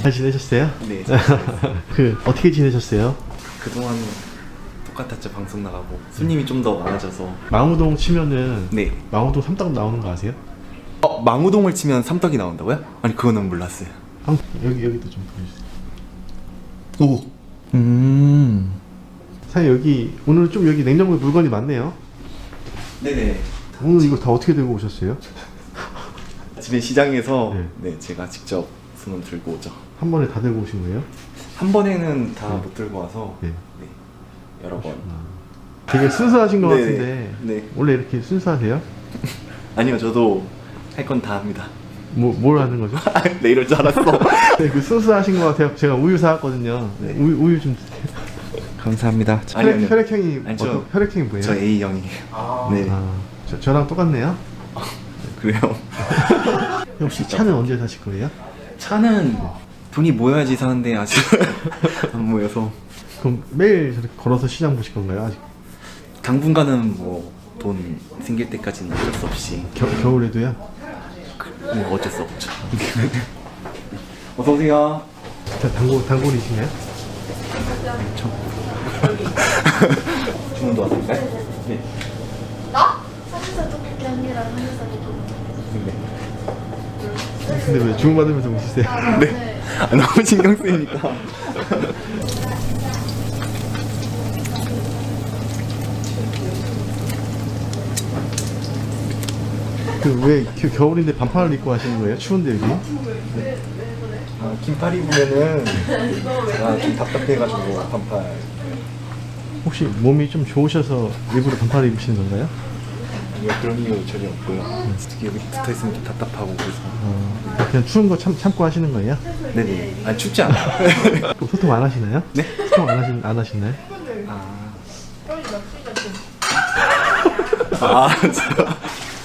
잘 지내셨어요? 네. 그 어떻게 지내셨어요? 그동안 똑같았죠. 방송 나가고 손님이 좀 더 많아져서. 망우동 치면은 네. 망우동 삼떡 나오는 거 아세요? 망우동을 치면 삼떡이 나온다고요? 아니 그거는 몰랐어요. 여기도 좀 보여주세요. 오. 사장님 여기 오늘 좀 여기 냉장고에 물건이 많네요. 네네. 오늘 이거 다 어떻게 들고 오셨어요? 집에 시장에서 네. 네 제가 직접 손을 들고 오죠. 한 번에 다 들고 오신 거예요? 한 번에는 다 못 들고 와서 네. 네, 여러 번. 되게 순수하신 것 네. 같은데 네. 원래 이렇게 순수하세요? 아니요, 저도 할 건 다 합니다. 뭘 하는 거죠? 네, 이럴 줄 알았어. 네, 그 순수하신 것 같아요. 제가 우유 사왔거든요. 네. 우유 좀 감사합니다. 혈액형이 아니, 저- 어떤 혈액형이 뭐예요? 저 A형이에요. 네. 저랑 똑같네요. 그래요. 혹시 차는 언제 사실 거예요? 차는 돈이 모여야지 사는데 아직 안 모여서 그럼 매일 저렇게 걸어서 시장 보실 건가요? 아직 당분간은 뭐 돈 생길 때까지는 어쩔 수 없이 겨울에도요? 뭐 어쩔 수 없죠. 어서 오세요. 단골이신가요? 주문도 왔을까요? 네. 나? 삼겹살 떡볶이 아니라 삼겹살 떡볶이. 네. 근데 왜 주문 받으면서 웃으세요? 네. 아, 너무 신경 쓰이니까. 그 왜 겨울인데 반팔을 입고 하시는 거예요? 추운데 여기? 아, 긴팔 입으면은 제가 좀 답답해가지고 반팔. 혹시 몸이 좀 좋으셔서 일부러 반팔을 입으시는 건가요? 아니요, 그런 이유 전혀 없고요. 특히 여기 붙어 있으면 좀 답답하고 그래서. 그냥 추운 거 참고 하시는 거예요? 네네. 아니 춥지 않아요. 그럼 소통 안 하시나요? 네? 소통 안 하시나요? 아, 진짜.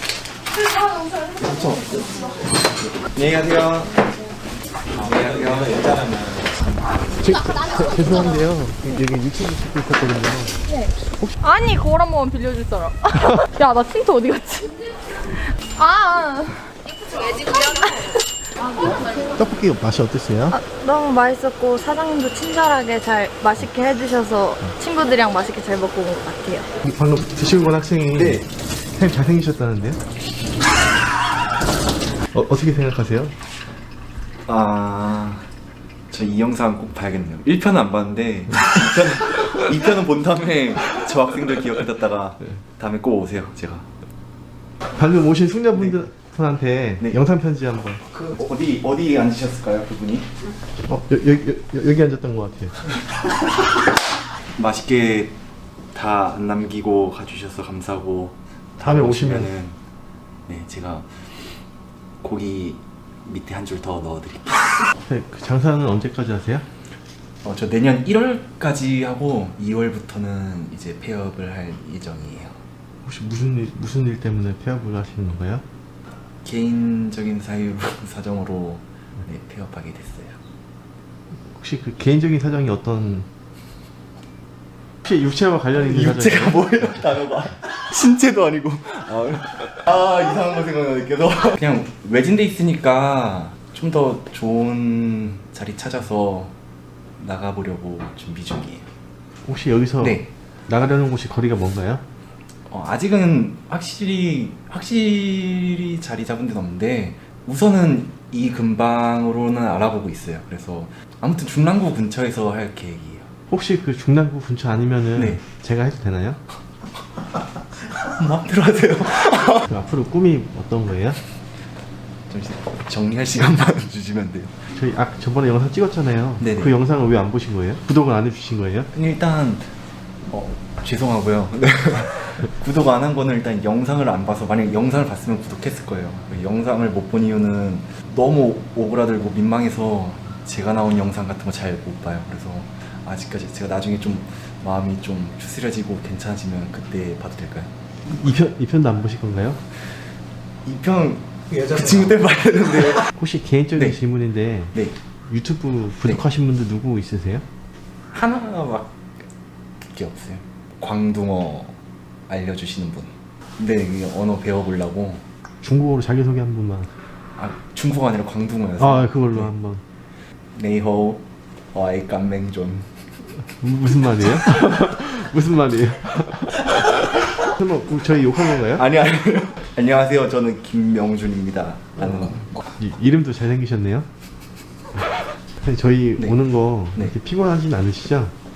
그렇죠. 안녕히 가세요. 안녕히 가세요. 여자라면. 죄송한데요. 여기 유튜브 찍고 있었거든요. 아니 거울 한 번만 빌려줄 사람. 야 나 틴트 어디 갔지? 아. 떡볶이 맛이 어땠어요? 너무 맛있었고 사장님도 친절하게 잘 맛있게 해주셔서 친구들이랑 맛있게 잘 먹고 온 것 같아요. 방금 드시고 온 학생이 네. 선생님 잘생기셨다는데요? 어떻게 생각하세요? 아, 저 이 영상 꼭 봐야겠네요. 1편은 안 봤는데 2편은 본 다음에 저 학생들 기억해뒀다가 다음에 꼭 오세요. 제가. 방금 오신 숙녀분들한테 네. 영상 편지 한번. 그 어디 앉으셨을까요, 그분이? 여기 앉았던 것 같아요. 맛있게 다 안 남기고 가주셔서 감사하고 다음에 오시면은 네, 제가 고기 밑에 한 줄 더 넣어드릴게요. 네, 그 장사는 언제까지 하세요? 저 내년 1월까지 하고 2월부터는 이제 폐업을 할 예정이에요. 혹시 무슨 일 때문에 폐업을 하시는 건가요? 개인적인 사정으로 네, 폐업하게 됐어요. 혹시 그 개인적인 사정이 어떤 혹시 육체와 관련 있는 육체가 사정이에요? 뭐예요, 단어가? 신체도 아니고. 이상한 거 생각나네 계속. 그냥 외진데 있으니까 좀 더 좋은 자리 찾아서 나가보려고 준비 중이에요. 혹시 여기서 네. 나가려는 곳이 거리가 뭔가요? 아직은 확실히 자리 잡은 데는 없는데 우선은 이 근방으로는 알아보고 있어요. 그래서 아무튼 중랑구 근처에서 할 계획이에요. 혹시 그 중랑구 근처 아니면은 네. 제가 해도 되나요? 마음대로 하세요. 그 앞으로 꿈이 어떤 거예요? 잠시 정리할 시간만 주시면 돼요. 저희 저번에 영상 찍었잖아요. 네네. 그 영상을 왜 안 보신 거예요? 구독을 안 해주신 거예요? 일단 죄송하고요. 네. 구독 안 한 거는 일단 영상을 안 봐서, 만약 영상을 봤으면 구독했을 거예요. 영상을 못 본 이유는 너무 오그라들고 민망해서 제가 나온 영상 같은 거 잘 못 봐요. 그래서 아직까지 제가 나중에 좀 마음이 좀 추스려지고 괜찮아지면 그때 봐도 될까요? 2편도 안 보실 건가요? 2편 그 친구 때 봐야 되는데. 혹시 개인적인 네. 질문인데 네. 유튜브 구독하신 분들 누구 있으세요? 하나밖에 없어요. 광둥어 알려주시는 분. 네, 이게 언어 배워보려고. 중국어로 자기소개 한 번만. 중국어 아니라 광둥어여서. 그걸로 네. 한번. 네이호 어이 깜맹존. 무슨 말이에요? 무슨 말이에요? 설마 저희 욕한 건가요? 아니 안녕하세요. 저는 김명준입니다. 라는 이름도 잘생기셨네요. 저희 네. 오는 거 네. 이렇게 피곤하진 않으시죠?